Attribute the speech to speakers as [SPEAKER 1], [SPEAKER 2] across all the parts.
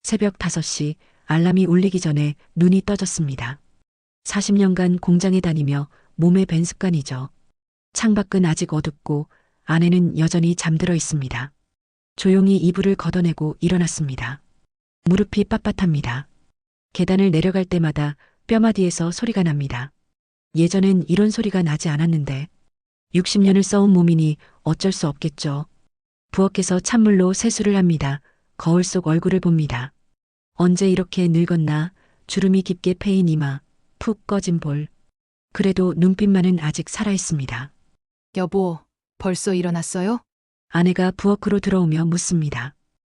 [SPEAKER 1] 새벽 5시 알람이 울리기 전에 눈이 떠졌습니다. 40년간 공장에 다니며 몸에 밴 습관이죠. 창밖은 아직 어둡고 아내는 여전히 잠들어 있습니다. 조용히 이불을 걷어내고 일어났습니다. 무릎이 빳빳합니다. 계단을 내려갈 때마다 뼈마디에서 소리가 납니다. 예전엔 이런 소리가 나지 않았는데 60년을 써온 몸이니 어쩔 수 없겠죠. 부엌에서 찬물로 세수를 합니다. 거울 속 얼굴을 봅니다. 언제 이렇게 늙었나, 주름이 깊게 패인 이마, 푹 꺼진 볼. 그래도 눈빛만은 아직 살아있습니다.
[SPEAKER 2] 여보, 벌써 일어났어요?
[SPEAKER 1] 아내가 부엌으로 들어오며 묻습니다.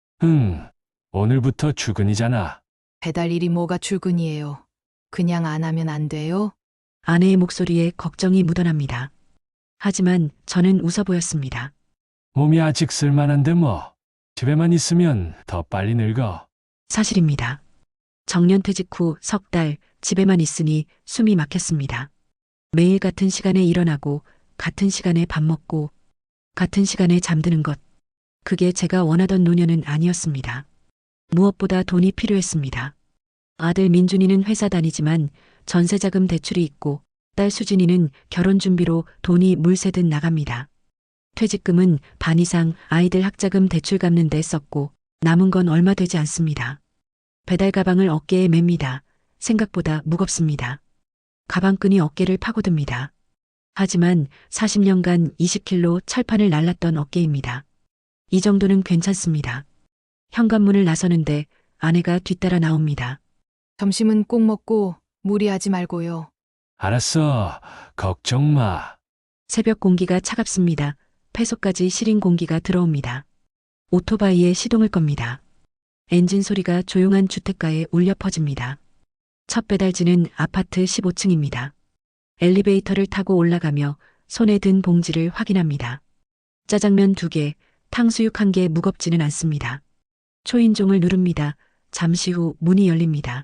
[SPEAKER 3] 오늘부터 출근이잖아.
[SPEAKER 2] 배달 일이 뭐가 출근이에요. 그냥 안 하면 안 돼요?
[SPEAKER 1] 아내의 목소리에 걱정이 묻어납니다. 하지만 저는 웃어 보였습니다.
[SPEAKER 3] 몸이 아직 쓸만한데 뭐. 집에만 있으면 더 빨리 늙어.
[SPEAKER 1] 사실입니다. 정년퇴직 후 석 달 집에만 있으니 숨이 막혔습니다. 매일 같은 시간에 일어나고 같은 시간에 밥 먹고 같은 시간에 잠드는 것. 그게 제가 원하던 노년은 아니었습니다. 무엇보다 돈이 필요했습니다. 아들 민준이는 회사 다니지만 전세자금 대출이 있고 딸 수진이는 결혼 준비로 돈이 물새듯 나갑니다. 퇴직금은 반 이상 아이들 학자금 대출 갚는 데 썼고 남은 건 얼마 되지 않습니다. 배달 가방을 어깨에 맵니다. 생각보다 무겁습니다. 가방끈이 어깨를 파고듭니다. 하지만 40년간 20kg 철판을 날랐던 어깨입니다. 이 정도는 괜찮습니다. 현관문을 나서는데 아내가 뒤따라 나옵니다.
[SPEAKER 2] 점심은 꼭 먹고 무리하지 말고요.
[SPEAKER 3] 알았어. 걱정 마.
[SPEAKER 1] 새벽 공기가 차갑습니다. 폐속까지 시린 공기가 들어옵니다. 오토바이에 시동을 겁니다. 엔진 소리가 조용한 주택가에 울려 퍼집니다. 첫 배달지는 아파트 15층입니다. 엘리베이터를 타고 올라가며 손에 든 봉지를 확인합니다. 짜장면 2개, 탕수육 1개 무겁지는 않습니다. 초인종을 누릅니다. 잠시 후 문이 열립니다.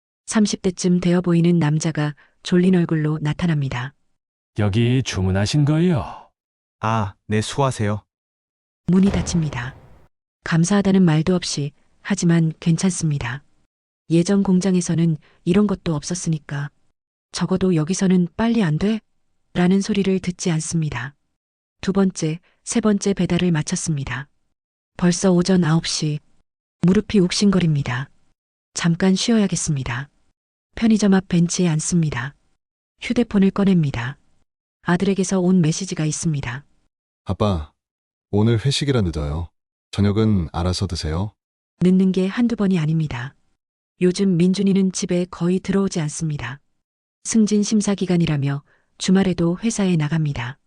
[SPEAKER 1] 30대쯤 되어 보이는 남자가 졸린 얼굴로 나타납니다.
[SPEAKER 3] 여기 주문하신 거요?
[SPEAKER 4] 아, 네, 수고하세요.
[SPEAKER 1] 문이 닫힙니다. 감사하다는 말도 없이 하지만 괜찮습니다. 예전 공장에서는 이런 것도 없었으니까. 적어도 여기서는 빨리 안 돼? 라는 소리를 듣지 않습니다. 두 번째, 세 번째 배달을 마쳤습니다. 벌써 오전 9시. 무릎이 욱신거립니다. 잠깐 쉬어야겠습니다. 편의점 앞 벤치에 앉습니다. 휴대폰을 꺼냅니다. 아들에게서 온 메시지가 있습니다.
[SPEAKER 5] 아빠, 오늘 회식이라 늦어요. 저녁은 알아서 드세요.
[SPEAKER 1] 늦는 게 한두 번이 아닙니다. 요즘 민준이는 집에 거의 들어오지 않습니다. 승진 심사 기간이라며 주말에도 회사에 나갑니다.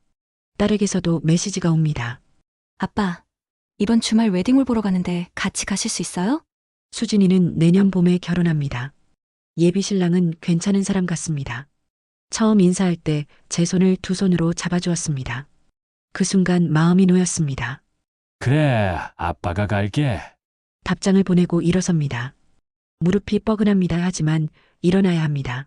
[SPEAKER 1] 딸에게서도 메시지가 옵니다.
[SPEAKER 6] 아빠, 이번 주말 웨딩홀 보러 가는데 같이 가실 수 있어요?
[SPEAKER 1] 수진이는 내년 봄에 결혼합니다. 예비 신랑은 괜찮은 사람 같습니다. 처음 인사할 때 제 손을 두 손으로 잡아주었습니다. 그 순간 마음이 놓였습니다.
[SPEAKER 3] 그래, 아빠가 갈게.
[SPEAKER 1] 답장을 보내고 일어섭니다. 무릎이 뻐근합니다. 하지만 일어나야 합니다.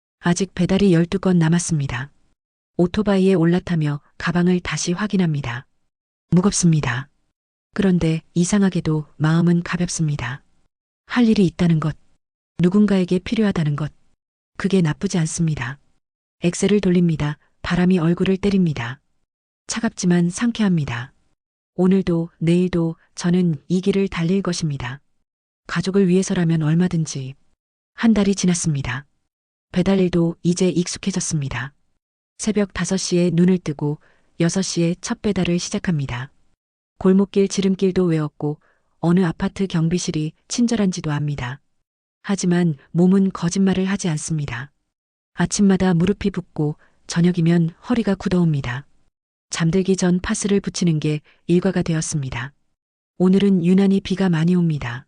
[SPEAKER 1] 아직 배달이 12건 남았습니다. 오토바이에 올라타며 가방을 다시 확인합니다. 무겁습니다. 그런데 이상하게도 마음은 가볍습니다. 할 일이 있다는 것, 누군가에게 필요하다는 것, 그게 나쁘지 않습니다. 엑셀을 돌립니다. 바람이 얼굴을 때립니다. 차갑지만 상쾌합니다. 오늘도 내일도 저는 이 길을 달릴 것입니다. 가족을 위해서라면 얼마든지. 한 달이 지났습니다. 배달 일도 이제 익숙해졌습니다. 새벽 5시에 눈을 뜨고 6시에 첫 배달을 시작합니다. 골목길 지름길도 외웠고 어느 아파트 경비실이 친절한지도 압니다. 하지만 몸은 거짓말을 하지 않습니다. 아침마다 무릎이 붓고 저녁이면 허리가 굳어옵니다. 잠들기 전 파스를 붙이는 게 일과가 되었습니다. 오늘은 유난히 비가 많이 옵니다.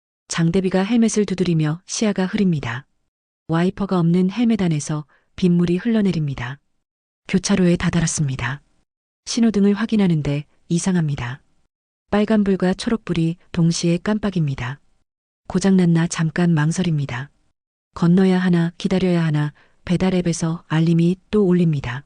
[SPEAKER 1] 장대비가 헬멧을 두드리며 시야가 흐립니다. 와이퍼가 없는 헬멧 안에서 빗물이 흘러내립니다. 교차로에 다다랐습니다. 신호등을 확인하는데 이상합니다. 빨간불과 초록불이 동시에 깜빡입니다. 고장났나 잠깐 망설입니다. 건너야 하나 기다려야 하나 배달 앱에서 알림이 또 울립니다.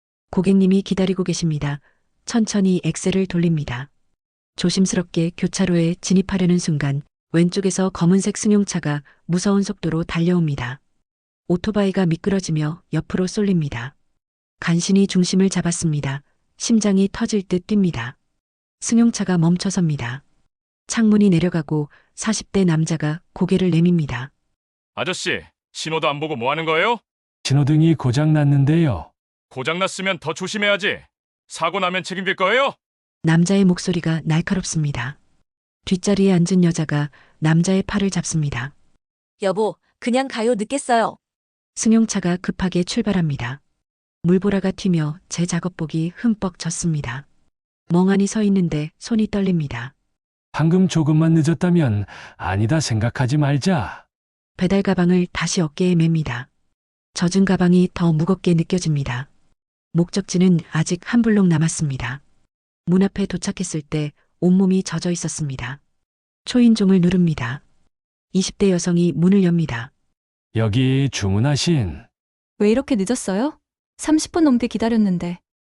[SPEAKER 1] 고객님이 기다리고 계십니다. 천천히 엑셀을 돌립니다. 조심스럽게 교차로에 진입하려는 순간 왼쪽에서 검은색 승용차가 무서운 속도로 달려옵니다. 오토바이가 미끄러지며 옆으로 쏠립니다. 간신히 중심을 잡았습니다. 심장이 터질 듯 뜁니다. 승용차가 멈춰섭니다. 창문이 내려가고 40대 남자가 고개를 내밉니다.
[SPEAKER 7] 아저씨, 신호도 안 보고 뭐 하는 거예요?
[SPEAKER 3] 신호등이 고장 났는데요.
[SPEAKER 7] 고장났으면 더 조심해야지. 사고 나면 책임질 거예요?
[SPEAKER 1] 남자의 목소리가 날카롭습니다. 뒷자리에 앉은 여자가 남자의 팔을 잡습니다.
[SPEAKER 8] 여보, 그냥 가요. 늦겠어요.
[SPEAKER 1] 승용차가 급하게 출발합니다. 물보라가 튀며 제 작업복이 흠뻑 젖습니다. 멍하니 서 있는데 손이 떨립니다.
[SPEAKER 3] 방금 조금만 늦었다면 아니다 생각하지 말자.
[SPEAKER 1] 배달 가방을 다시 어깨에 맵니다. 젖은 가방이 더 무겁게 느껴집니다. 목적지는 아직 한 블록 남았습니다. 문 앞에 도착했을 때 온몸이 젖어 있었습니다. 초인종을 누릅니다. 20대 여성이 문을 엽니다.
[SPEAKER 3] 여기 주문하신.
[SPEAKER 6] 왜 이렇게 늦었어요? 30분 넘게 기다렸는데.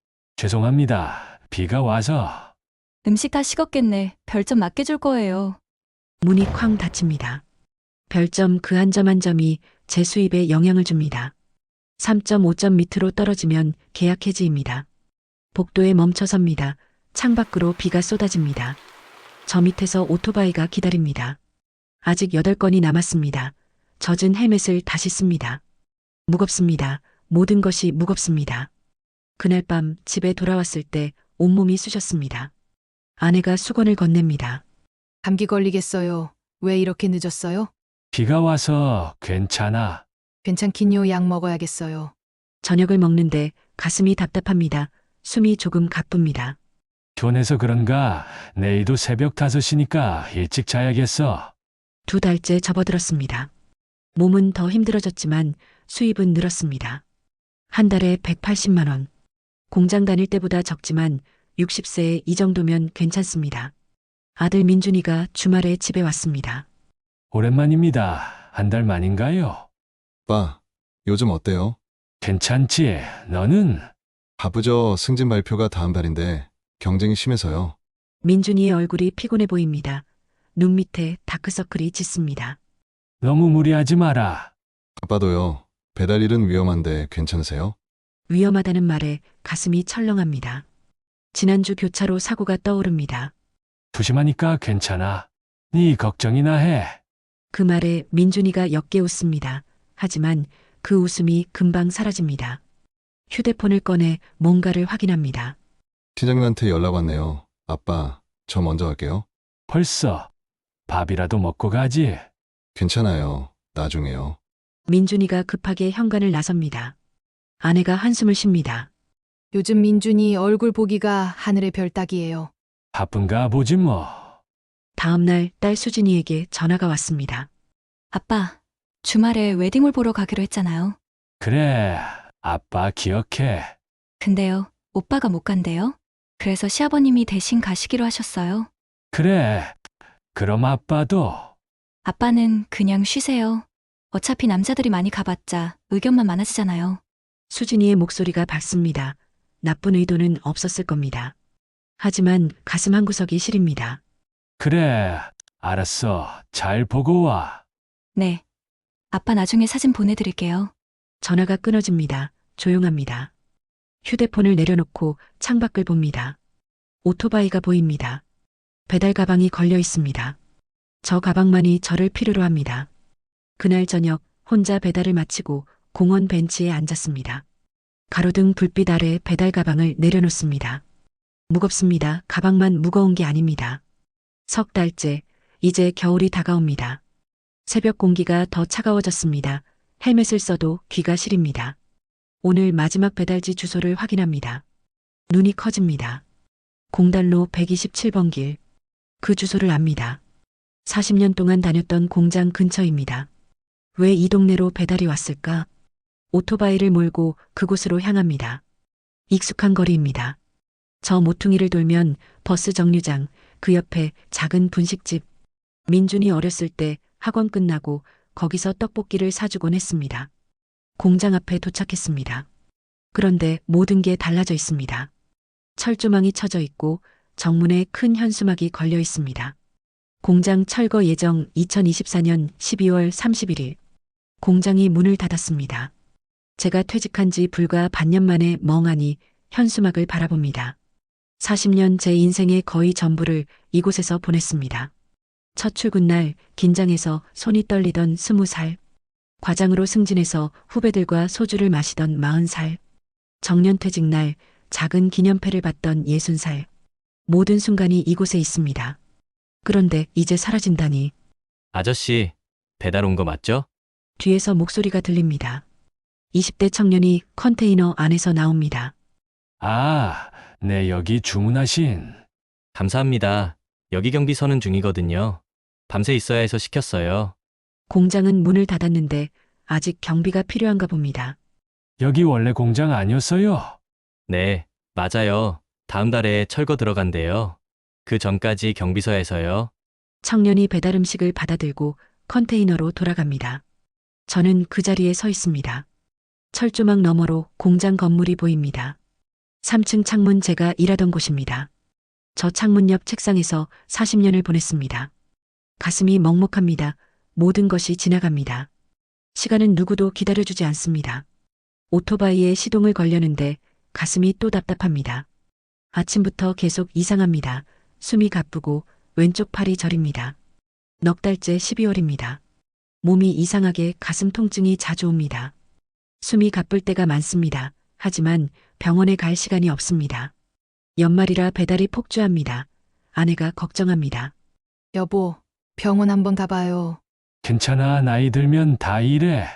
[SPEAKER 3] 죄송합니다. 비가 와서.
[SPEAKER 6] 음식 다 식었겠네. 별점 맞게 줄 거예요.
[SPEAKER 1] 문이 쾅 닫힙니다. 별점 그 한 점 한 점이 제 수입에 영향을 줍니다. 3.5점 밑으로 떨어지면 계약 해지입니다. 복도에 멈춰섭니다. 창밖으로 비가 쏟아집니다. 저 밑에서 오토바이가 기다립니다. 아직 8건이 남았습니다. 젖은 헬멧을 다시 씁니다. 무겁습니다. 모든 것이 무겁습니다. 그날 밤 집에 돌아왔을 때 온몸이 쑤셨습니다. 아내가 수건을 건넵니다.
[SPEAKER 2] 감기 걸리겠어요. 왜 이렇게 늦었어요?
[SPEAKER 3] 비가 와서 괜찮아.
[SPEAKER 2] 괜찮긴요. 약 먹어야겠어요.
[SPEAKER 1] 저녁을 먹는데 가슴이 답답합니다. 숨이 조금 가쁩니다.
[SPEAKER 3] 피곤해서 그런가? 내일도 새벽 5시니까 일찍 자야겠어.
[SPEAKER 1] 2달째 접어들었습니다. 몸은 더 힘들어졌지만 수입은 늘었습니다. 한 달에 180만 원. 공장 다닐 때보다 적지만 60세에 이 정도면 괜찮습니다. 아들 민준이가 주말에 집에 왔습니다.
[SPEAKER 3] 오랜만입니다. 한 달 만인가요?
[SPEAKER 5] 아빠, 요즘 어때요?
[SPEAKER 3] 괜찮지? 너는?
[SPEAKER 5] 바쁘죠. 승진 발표가 다음 달인데 경쟁이 심해서요.
[SPEAKER 1] 민준이의 얼굴이 피곤해 보입니다. 눈 밑에 다크서클이 짙습니다.
[SPEAKER 3] 너무 무리하지 마라.
[SPEAKER 5] 아빠도요. 배달 일은 위험한데 괜찮으세요?
[SPEAKER 1] 위험하다는 말에 가슴이 철렁합니다. 지난주 교차로 사고가 떠오릅니다.
[SPEAKER 3] 조심하니까 괜찮아. 네 걱정이나 해.
[SPEAKER 1] 그 말에 민준이가 옅게 웃습니다. 하지만 그 웃음이 금방 사라집니다. 휴대폰을 꺼내 뭔가를 확인합니다.
[SPEAKER 5] 팀장님한테 연락 왔네요. 아빠, 저 먼저 갈게요.
[SPEAKER 3] 벌써 밥이라도 먹고 가지.
[SPEAKER 5] 괜찮아요. 나중에요.
[SPEAKER 1] 민준이가 급하게 현관을 나섭니다. 아내가 한숨을 쉽니다.
[SPEAKER 2] 요즘 민준이 얼굴 보기가 하늘의 별 따기예요.
[SPEAKER 3] 바쁜가 보지 뭐.
[SPEAKER 1] 다음 날 딸 수진이에게 전화가 왔습니다.
[SPEAKER 6] 아빠, 주말에 웨딩홀 보러 가기로 했잖아요.
[SPEAKER 3] 그래, 아빠 기억해.
[SPEAKER 6] 근데요, 오빠가 못 간대요. 그래서 시아버님이 대신 가시기로 하셨어요.
[SPEAKER 3] 그래, 그럼 아빠도.
[SPEAKER 6] 아빠는 그냥 쉬세요. 어차피 남자들이 많이 가봤자 의견만 많아지잖아요.
[SPEAKER 1] 수진이의 목소리가 밝습니다. 나쁜 의도는 없었을 겁니다. 하지만 가슴 한구석이 시립니다.
[SPEAKER 3] 그래, 알았어. 잘 보고 와.
[SPEAKER 6] 네. 아빠 나중에 사진 보내드릴게요.
[SPEAKER 1] 전화가 끊어집니다. 조용합니다. 휴대폰을 내려놓고 창밖을 봅니다. 오토바이가 보입니다. 배달 가방이 걸려 있습니다. 저 가방만이 저를 필요로 합니다. 그날 저녁 혼자 배달을 마치고 공원 벤치에 앉았습니다. 가로등 불빛 아래 배달 가방을 내려놓습니다. 무겁습니다. 가방만 무거운 게 아닙니다. 석 달째, 이제 겨울이 다가옵니다. 새벽 공기가 더 차가워졌습니다. 헬멧을 써도 귀가 시립니다. 오늘 마지막 배달지 주소를 확인합니다. 눈이 커집니다. 공단로 127번 길. 그 주소를 압니다. 40년 동안 다녔던 공장 근처입니다. 왜 이 동네로 배달이 왔을까? 오토바이를 몰고 그곳으로 향합니다. 익숙한 거리입니다. 저 모퉁이를 돌면 버스 정류장, 그 옆에 작은 분식집. 민준이 어렸을 때 학원 끝나고 거기서 떡볶이를 사주곤 했습니다. 공장 앞에 도착했습니다. 그런데 모든 게 달라져 있습니다. 철조망이 쳐져 있고 정문에 큰 현수막이 걸려 있습니다. 공장 철거 예정 2024년 12월 31일. 공장이 문을 닫았습니다. 제가 퇴직한 지 불과 반년 만에 멍하니 현수막을 바라봅니다. 40년 제 인생의 거의 전부를 이곳에서 보냈습니다. 첫 출근 날 긴장해서 손이 떨리던 20살. 과장으로 승진해서 후배들과 소주를 마시던 40살. 정년퇴직 날 작은 기념패를 받던 60살. 모든 순간이 이곳에 있습니다. 그런데 이제 사라진다니.
[SPEAKER 9] 아저씨, 배달 온 거 맞죠?
[SPEAKER 1] 뒤에서 목소리가 들립니다. 20대 청년이 컨테이너 안에서 나옵니다.
[SPEAKER 3] 아, 네, 여기 주문하신.
[SPEAKER 9] 감사합니다. 여기 경비 서는 중이거든요. 밤새 있어야 해서 시켰어요.
[SPEAKER 1] 공장은 문을 닫았는데 아직 경비가 필요한가 봅니다.
[SPEAKER 3] 여기 원래 공장 아니었어요?
[SPEAKER 9] 네, 맞아요. 다음 달에 철거 들어간대요. 그 전까지 경비서에서요.
[SPEAKER 1] 청년이 배달 음식을 받아들고 컨테이너로 돌아갑니다. 저는 그 자리에 서 있습니다. 철조망 너머로 공장 건물이 보입니다. 3층 창문 제가 일하던 곳입니다. 저 창문 옆 책상에서 40년을 보냈습니다. 가슴이 먹먹합니다. 모든 것이 지나갑니다. 시간은 누구도 기다려주지 않습니다. 오토바이에 시동을 걸려는데 가슴이 또 답답합니다. 아침부터 계속 이상합니다. 숨이 가쁘고 왼쪽 팔이 저립니다. 넉 달째 12월입니다. 몸이 이상하게 가슴 통증이 자주 옵니다. 숨이 가쁠 때가 많습니다. 하지만 병원에 갈 시간이 없습니다. 연말이라 배달이 폭주합니다. 아내가 걱정합니다.
[SPEAKER 2] 여보, 병원 한번 가봐요.
[SPEAKER 3] 괜찮아, 나이 들면 다 이래.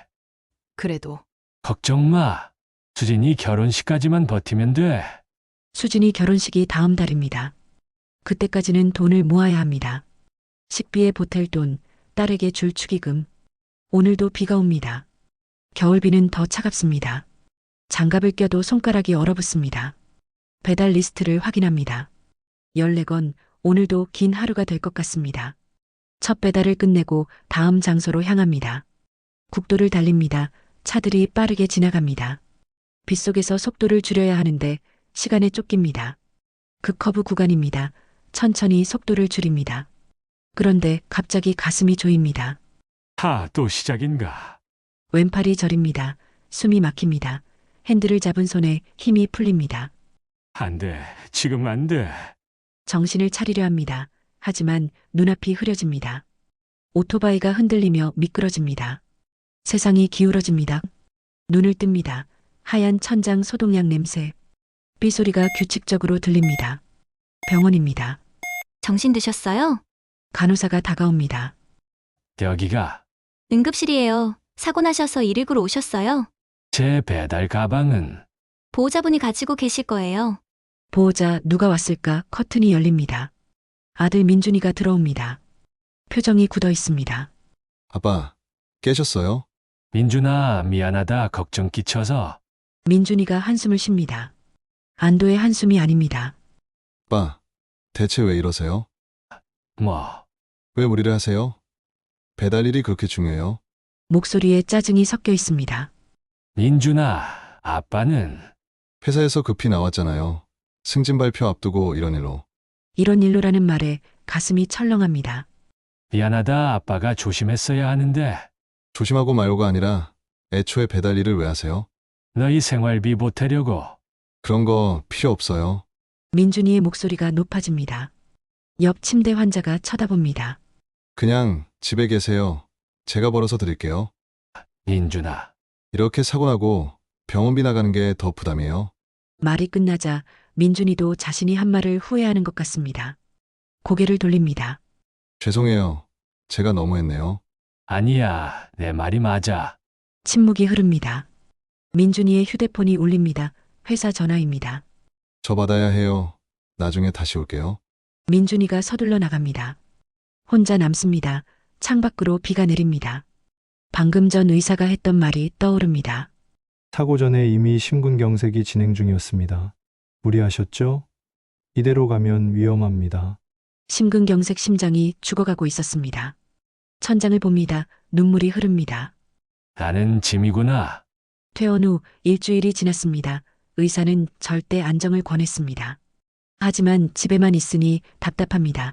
[SPEAKER 2] 그래도
[SPEAKER 3] 걱정 마. 수진이 결혼식까지만 버티면 돼.
[SPEAKER 1] 수진이 결혼식이 다음 달입니다. 그때까지는 돈을 모아야 합니다. 식비에 보탤 돈, 딸에게 줄 축의금. 오늘도 비가 옵니다. 겨울비는 더 차갑습니다. 장갑을 껴도 손가락이 얼어붙습니다. 배달 리스트를 확인합니다. 14건, 오늘도 긴 하루가 될 것 같습니다. 첫 배달을 끝내고 다음 장소로 향합니다. 국도를 달립니다. 차들이 빠르게 지나갑니다. 빗속에서 속도를 줄여야 하는데 시간에 쫓깁니다. 극커브 구간입니다. 천천히 속도를 줄입니다. 그런데 갑자기 가슴이 조입니다.
[SPEAKER 3] 또 시작인가?
[SPEAKER 1] 왼팔이 저립니다. 숨이 막힙니다. 핸들을 잡은 손에 힘이 풀립니다.
[SPEAKER 3] 안 돼, 지금 안 돼.
[SPEAKER 1] 정신을 차리려 합니다. 하지만 눈앞이 흐려집니다. 오토바이가 흔들리며 미끄러집니다. 세상이 기울어집니다. 눈을 뜹니다. 하얀 천장 소독약 냄새. 삐소리가 규칙적으로 들립니다. 병원입니다.
[SPEAKER 6] 정신 드셨어요?
[SPEAKER 1] 간호사가 다가옵니다.
[SPEAKER 3] 여기가
[SPEAKER 6] 응급실이에요. 사고 나셔서 119로 오셨어요.
[SPEAKER 3] 제 배달 가방은.
[SPEAKER 6] 보호자분이 가지고 계실 거예요.
[SPEAKER 1] 보호자 누가 왔을까? 커튼이 열립니다. 아들 민준이가 들어옵니다. 표정이 굳어 있습니다.
[SPEAKER 5] 아빠, 깨셨어요?
[SPEAKER 3] 민준아, 미안하다. 걱정 끼쳐서.
[SPEAKER 1] 민준이가 한숨을 쉽니다. 안도의 한숨이 아닙니다.
[SPEAKER 5] 아빠, 대체 왜 이러세요?
[SPEAKER 3] 뭐,
[SPEAKER 5] 왜 무리를 하세요? 배달 일이 그렇게 중요해요?
[SPEAKER 1] 목소리에 짜증이 섞여 있습니다.
[SPEAKER 3] 민준아, 아빠는.
[SPEAKER 5] 회사에서 급히 나왔잖아요. 승진 발표 앞두고 이런 일로.
[SPEAKER 1] 이런 일로라는 말에 가슴이 철렁합니다.
[SPEAKER 3] 미안하다. 아빠가 조심했어야 하는데.
[SPEAKER 5] 조심하고 말고가 아니라 애초에 배달 일을 왜 하세요?
[SPEAKER 3] 너희 생활비 보태려고.
[SPEAKER 5] 그런 거 필요 없어요.
[SPEAKER 1] 민준이의 목소리가 높아집니다. 옆 침대 환자가 쳐다봅니다.
[SPEAKER 5] 그냥 집에 계세요. 제가 벌어서 드릴게요.
[SPEAKER 3] 민준아,
[SPEAKER 5] 이렇게 사고 나고 병원비 나가는 게 더 부담이에요.
[SPEAKER 1] 말이 끝나자 민준이도 자신이 한 말을 후회하는 것 같습니다. 고개를 돌립니다.
[SPEAKER 5] 죄송해요. 제가 너무했네요.
[SPEAKER 3] 아니야. 내 말이 맞아.
[SPEAKER 1] 침묵이 흐릅니다. 민준이의 휴대폰이 울립니다. 회사 전화입니다.
[SPEAKER 5] 저 받아야 해요. 나중에 다시 올게요.
[SPEAKER 1] 민준이가 서둘러 나갑니다. 혼자 남습니다. 창밖으로 비가 내립니다. 방금 전 의사가 했던 말이 떠오릅니다.
[SPEAKER 10] 사고 전에 이미 심근경색이 진행 중이었습니다. 무리하셨죠? 이대로 가면 위험합니다.
[SPEAKER 1] 심근경색 심장이 죽어가고 있었습니다. 천장을 봅니다. 눈물이 흐릅니다.
[SPEAKER 3] 나는 짐이구나.
[SPEAKER 1] 퇴원 후 일주일이 지났습니다. 의사는 절대 안정을 권했습니다. 하지만 집에만 있으니 답답합니다.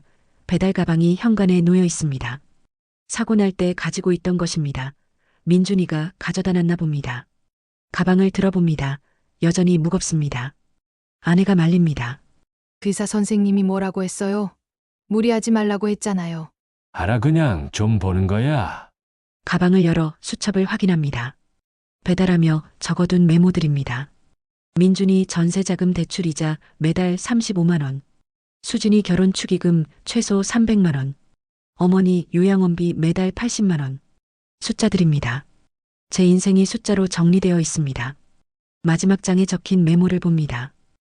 [SPEAKER 1] 배달 가방이 현관에 놓여 있습니다. 사고 날 때 가지고 있던 것입니다. 민준이가 가져다 놨나 봅니다. 가방을 들어봅니다. 여전히 무겁습니다. 아내가 말립니다.
[SPEAKER 2] 의사 선생님이 뭐라고 했어요? 무리하지 말라고 했잖아요.
[SPEAKER 3] 알아, 그냥 좀 보는 거야.
[SPEAKER 1] 가방을 열어 수첩을 확인합니다. 배달하며 적어둔 메모들입니다. 민준이 전세자금 대출이자 매달 35만 원. 수진이 결혼 축의금 최소 300만 원. 어머니 요양원비 매달 80만 원. 숫자들입니다. 제 인생이 숫자로 정리되어 있습니다. 마지막 장에 적힌 메모를 봅니다.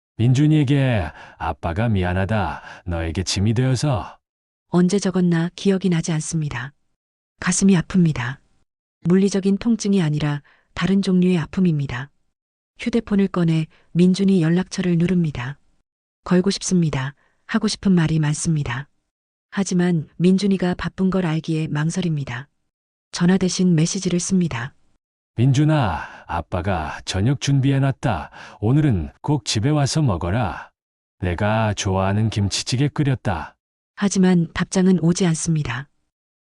[SPEAKER 3] 민준이에게 아빠가 미안하다. 너에게 짐이 되어서.
[SPEAKER 1] 언제 적었나 기억이 나지 않습니다. 가슴이 아픕니다. 물리적인 통증이 아니라 다른 종류의 아픔입니다. 휴대폰을 꺼내 민준이 연락처를 누릅니다. 걸고 싶습니다. 하고 싶은 말이 많습니다. 하지만 민준이가 바쁜 걸 알기에 망설입니다. 전화 대신 메시지를 씁니다.
[SPEAKER 3] 민준아, 아빠가 저녁 준비해놨다. 오늘은 꼭 집에 와서 먹어라. 내가 좋아하는 김치찌개 끓였다.
[SPEAKER 1] 하지만 답장은 오지 않습니다.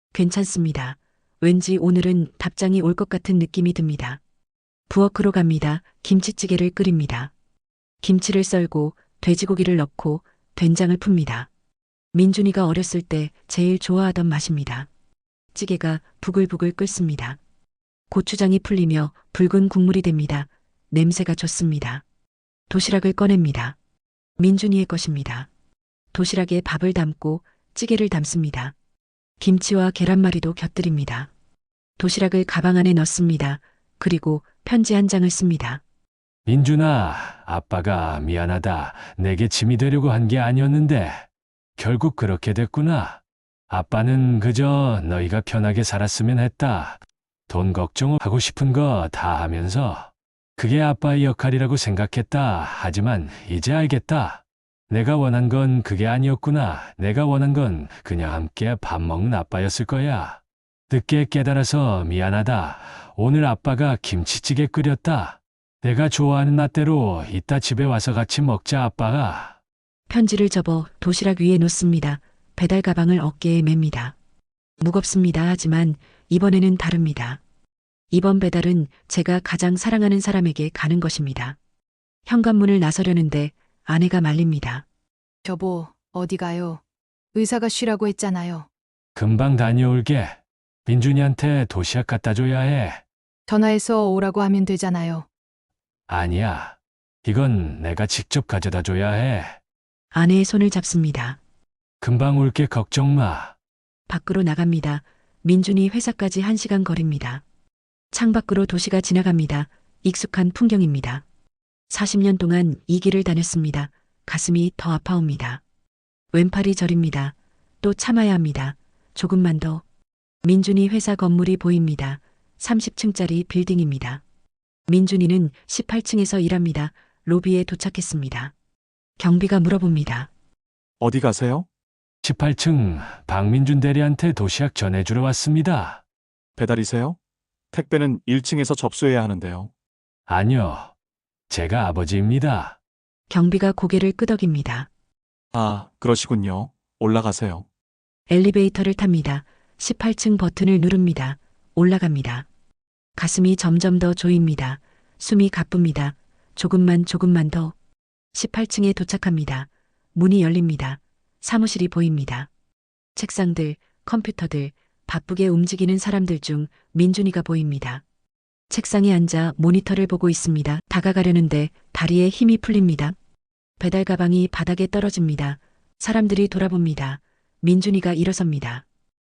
[SPEAKER 1] 괜찮습니다. 왠지 오늘은 답장이 올 것 같은 느낌이 듭니다. 부엌으로 갑니다. 김치찌개를 끓입니다. 김치를 썰고 돼지고기를 넣고 된장을 풉니다. 민준이가 어렸을 때 제일 좋아하던 맛입니다. 찌개가 부글부글 끓습니다. 고추장이 풀리며 붉은 국물이 됩니다. 냄새가 좋습니다. 도시락을 꺼냅니다. 민준이의 것입니다. 도시락에 밥을 담고 찌개를 담습니다. 김치와 계란말이도 곁들입니다. 도시락을 가방 안에 넣습니다. 그리고 편지 한 장을 씁니다.
[SPEAKER 3] 민준아, 아빠가 미안하다. 내게 짐이 되려고 한 게 아니었는데 결국 그렇게 됐구나. 아빠는 그저 너희가 편하게 살았으면 했다. 돈 걱정하고 싶은 거 다 하면서 그게 아빠의 역할이라고 생각했다. 하지만 이제 알겠다. 내가 원한 건 그게 아니었구나. 내가 원한 건 그냥 함께 밥 먹는 아빠였을 거야. 늦게 깨달아서 미안하다. 오늘 아빠가 김치찌개 끓였다. 내가 좋아하는 라떼로 이따 집에 와서 같이 먹자, 아빠가.
[SPEAKER 1] 편지를 접어 도시락 위에 놓습니다. 배달 가방을 어깨에 맵니다. 무겁습니다. 하지만 이번에는 다릅니다. 이번 배달은 제가 가장 사랑하는 사람에게 가는 것입니다. 현관문을 나서려는데 아내가 말립니다.
[SPEAKER 2] 여보, 어디 가요? 의사가 쉬라고 했잖아요.
[SPEAKER 3] 금방 다녀올게. 민준이한테 도시락 갖다 줘야 해.
[SPEAKER 2] 전화해서 오라고 하면 되잖아요.
[SPEAKER 3] 아니야. 이건 내가 직접 가져다 줘야 해.
[SPEAKER 1] 아내의 손을 잡습니다.
[SPEAKER 3] 금방 올게, 걱정 마.
[SPEAKER 1] 밖으로 나갑니다. 민준이 회사까지 1시간 거리입니다. 창밖으로 도시가 지나갑니다. 익숙한 풍경입니다. 40년 동안 이 길을 다녔습니다. 가슴이 더 아파옵니다. 왼팔이 저립니다. 또 참아야 합니다. 조금만 더. 민준이 회사 건물이 보입니다. 30층짜리 빌딩입니다. 민준이는 18층에서 일합니다. 로비에 도착했습니다. 경비가 물어봅니다.
[SPEAKER 11] 어디 가세요?
[SPEAKER 3] 18층 박민준 대리한테 도시락 전해주러 왔습니다.
[SPEAKER 11] 배달이세요? 택배는 1층에서 접수해야 하는데요.
[SPEAKER 3] 아니요. 제가 아버지입니다.
[SPEAKER 1] 경비가 고개를 끄덕입니다.
[SPEAKER 11] 아, 그러시군요. 올라가세요.
[SPEAKER 1] 엘리베이터를 탑니다. 18층 버튼을 누릅니다. 올라갑니다. 가슴이 점점 더 조입니다. 숨이 가쁩니다. 조금만 더. 18층에 도착합니다. 문이 열립니다. 사무실이 보입니다. 책상들, 컴퓨터들, 바쁘게 움직이는 사람들 중 민준이가 보입니다. 책상에 앉아 모니터를 보고 있습니다. 다가가려는데 다리에 힘이 풀립니다. 배달 가방이 바닥에 떨어집니다. 사람들이 돌아봅니다. 민준이가 일어섭니다.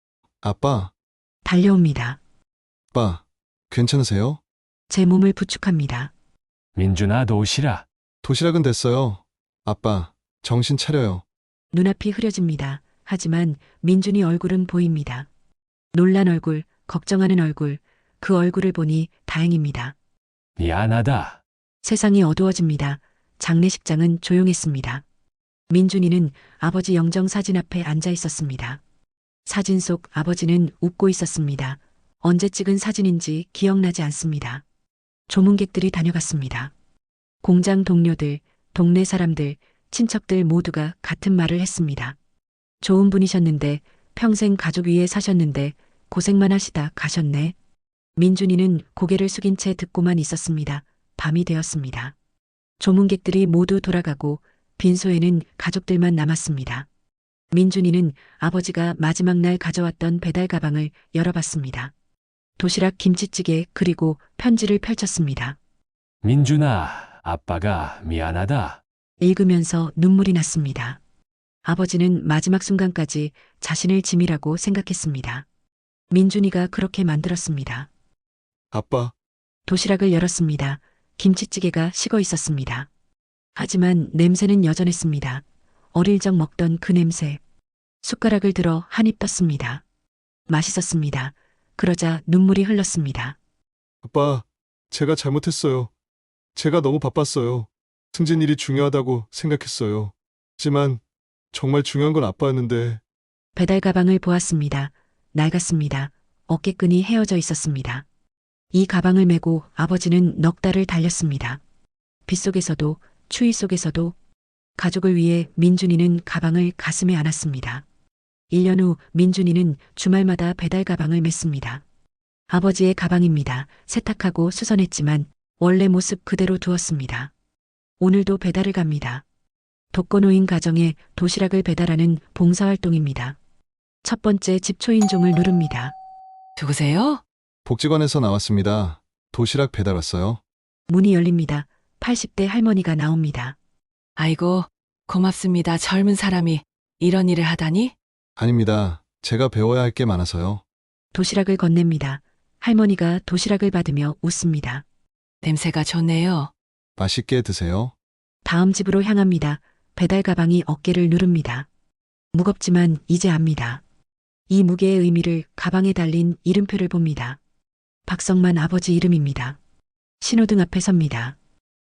[SPEAKER 5] 아빠,
[SPEAKER 1] 달려옵니다.
[SPEAKER 5] 아빠, 괜찮으세요?
[SPEAKER 1] 제 몸을 부축합니다.
[SPEAKER 3] 민준아, 도시락.
[SPEAKER 5] 도시락은 됐어요. 아빠, 정신 차려요.
[SPEAKER 1] 눈앞이 흐려집니다. 하지만 민준이 얼굴은 보입니다. 놀란 얼굴, 걱정하는 얼굴, 그 얼굴을 보니 다행입니다.
[SPEAKER 3] 미안하다.
[SPEAKER 1] 세상이 어두워집니다. 장례식장은 조용했습니다. 민준이는 아버지 영정 사진 앞에 앉아 있었습니다. 사진 속 아버지는 웃고 있었습니다. 언제 찍은 사진인지 기억나지 않습니다. 조문객들이 다녀갔습니다. 공장 동료들, 동네 사람들, 친척들 모두가 같은 말을 했습니다. 좋은 분이셨는데 평생 가족 위에 사셨는데 고생만 하시다 가셨네. 민준이는 고개를 숙인 채 듣고만 있었습니다. 밤이 되었습니다. 조문객들이 모두 돌아가고 빈소에는 가족들만 남았습니다. 민준이는 아버지가 마지막 날 가져왔던 배달 가방을 열어봤습니다. 도시락, 김치찌개 그리고 편지를 펼쳤습니다.
[SPEAKER 3] 민준아, 아빠가 미안하다.
[SPEAKER 1] 읽으면서 눈물이 났습니다. 아버지는 마지막 순간까지 자신을 짐이라고 생각했습니다. 민준이가 그렇게 만들었습니다.
[SPEAKER 5] 아빠,
[SPEAKER 1] 도시락을 열었습니다. 김치찌개가 식어 있었습니다. 하지만 냄새는 여전했습니다. 어릴 적 먹던 그 냄새. 숟가락을 들어 한 입 떴습니다. 맛있었습니다. 그러자 눈물이 흘렀습니다.
[SPEAKER 5] 아빠, 제가 잘못했어요. 제가 너무 바빴어요. 승진 일이 중요하다고 생각했어요. 하지만 정말 중요한 건 아빠였는데.
[SPEAKER 1] 배달 가방을 보았습니다. 낡았습니다. 어깨끈이 헤어져 있었습니다. 이 가방을 메고 아버지는 넉 달을 달렸습니다. 빗속에서도 추위 속에서도 가족을 위해 민준이는 가방을 가슴에 안았습니다. 1년 후 민준이는 주말마다 배달 가방을 맸습니다. 아버지의 가방입니다. 세탁하고 수선했지만 원래 모습 그대로 두었습니다. 오늘도 배달을 갑니다. 독거노인 가정에 도시락을 배달하는 봉사활동입니다. 첫 번째 집 초인종을 누릅니다.
[SPEAKER 2] 누구세요?
[SPEAKER 5] 복지관에서 나왔습니다. 도시락 배달 왔어요.
[SPEAKER 1] 문이 열립니다. 80대 할머니가 나옵니다.
[SPEAKER 2] 아이고, 고맙습니다. 젊은 사람이 이런 일을 하다니?
[SPEAKER 5] 아닙니다. 제가 배워야 할 게 많아서요.
[SPEAKER 1] 도시락을 건넵니다. 할머니가 도시락을 받으며 웃습니다.
[SPEAKER 2] 냄새가 좋네요.
[SPEAKER 5] 맛있게 드세요.
[SPEAKER 1] 다음 집으로 향합니다. 배달 가방이 어깨를 누릅니다. 무겁지만 이제 압니다. 이 무게의 의미를 가방에 달린 이름표를 봅니다. 박성만 아버지 이름입니다. 신호등 앞에 섭니다.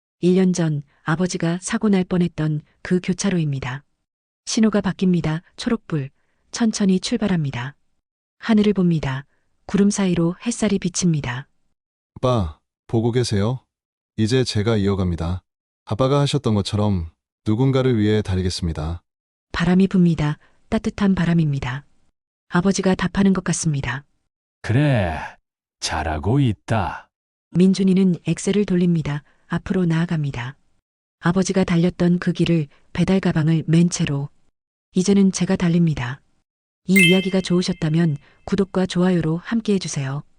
[SPEAKER 1] 1년 전 아버지가 사고 날 뻔했던 그 교차로입니다. 신호가 바뀝니다. 초록불. 천천히 출발합니다. 하늘을 봅니다. 구름 사이로 햇살이 비칩니다.
[SPEAKER 5] 아빠, 보고 계세요? 이제 제가 이어갑니다. 아빠가 하셨던 것처럼 누군가를 위해 달리겠습니다.
[SPEAKER 1] 바람이 붑니다. 따뜻한 바람입니다. 아버지가 답하는 것 같습니다.
[SPEAKER 3] 그래, 잘하고 있다.
[SPEAKER 1] 민준이는 엑셀을 돌립니다. 앞으로 나아갑니다. 아버지가 달렸던 그 길을 배달 가방을 맨 채로. 이제는 제가 달립니다. 이 이야기가 좋으셨다면 구독과 좋아요로 함께 해주세요.